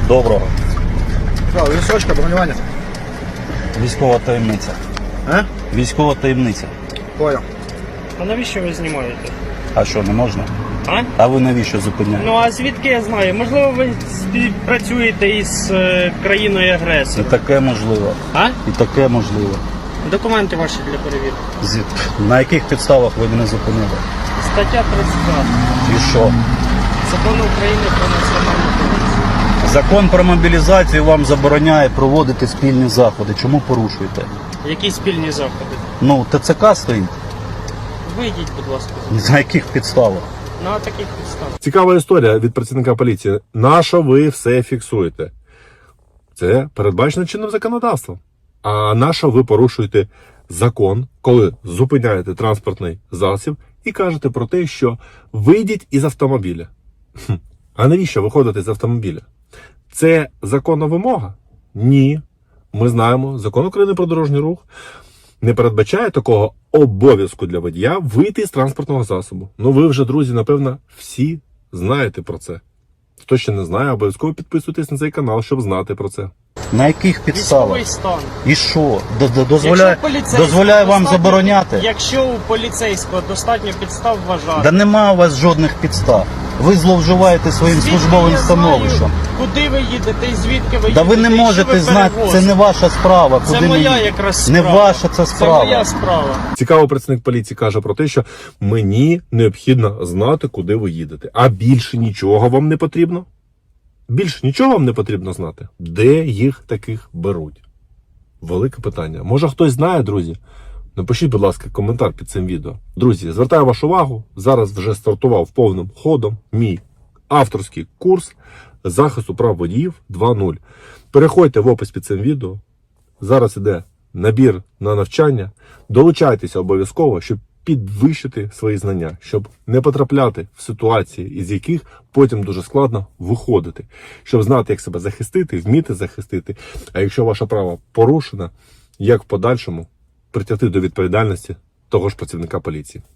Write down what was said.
Доброго. Що, вісочка, бронювання? Військова таємниця. А? Військова таємниця. Понял. А навіщо ви знімаєте? А що, не можна? А? А ви навіщо зупиняєте? Ну а звідки я знаю? Можливо, ви співпрацюєте із країною І агресором. таке можливо. А? І таке можливо. Документи ваші для перевірки. На яких підставах ви мене зупинили? Стаття 32 І що? Закону України про національну поліцію. Закон про мобілізацію вам забороняє проводити спільні заходи. Чому порушуєте? Які спільні заходи? Ну, ТЦК стоїть. Вийдіть, будь ласка. На яких підставах? На таких підставах. Цікава історія від працівника поліції. Нащо ви все фіксуєте? Це передбачено чинним законодавством. А нащо ви порушуєте закон, коли зупиняєте транспортний засіб і кажете про те, що вийдіть із автомобіля? А навіщо виходити з автомобіля? Це законна вимога? Ні. Ми знаємо, Закон України про дорожній рух не передбачає такого обов'язку для водія вийти з транспортного засобу. Ну ви вже, друзі, напевно, всі знаєте про це. Хто ще не знає, обов'язково підписуйтесь на цей канал, щоб знати про це. На яких підставах? Військовий стан. І що? Дозволяє Якщо поліцейського дозволяє вам достатньо- забороняти? Якщо у поліцейського достатньо підстав вважати. Да нема у вас жодних підстав. Ви зловживаєте своїм Звідки службовим я становищем. знаю, куди ви їдете і звідки ви Да їдете? ви не і що можете ви знати, це перевозите? не ваша справа. Це Куди моя мені? якраз Не справа. ваша це Це справа. моя справа. Цікаво, працівник поліції каже про те, що мені необхідно знати, куди ви їдете. А більше нічого вам не потрібно? Більше нічого вам не потрібно знати? Де їх таких беруть? Велике питання. Може хтось знає, друзі? Напишіть, будь ласка, коментар під цим відео. Друзі, звертаю вашу увагу, зараз вже стартував повним ходом мій авторський курс захисту прав водіїв 2.0. Переходьте в опис під цим відео. Зараз іде набір на навчання. Долучайтеся обов'язково, щоб підвищити свої знання, щоб не потрапляти в ситуації, із яких потім дуже складно виходити, щоб знати, як себе захистити, вміти захистити. А якщо ваше право порушено, як в подальшому притягти до відповідальності того ж працівника поліції.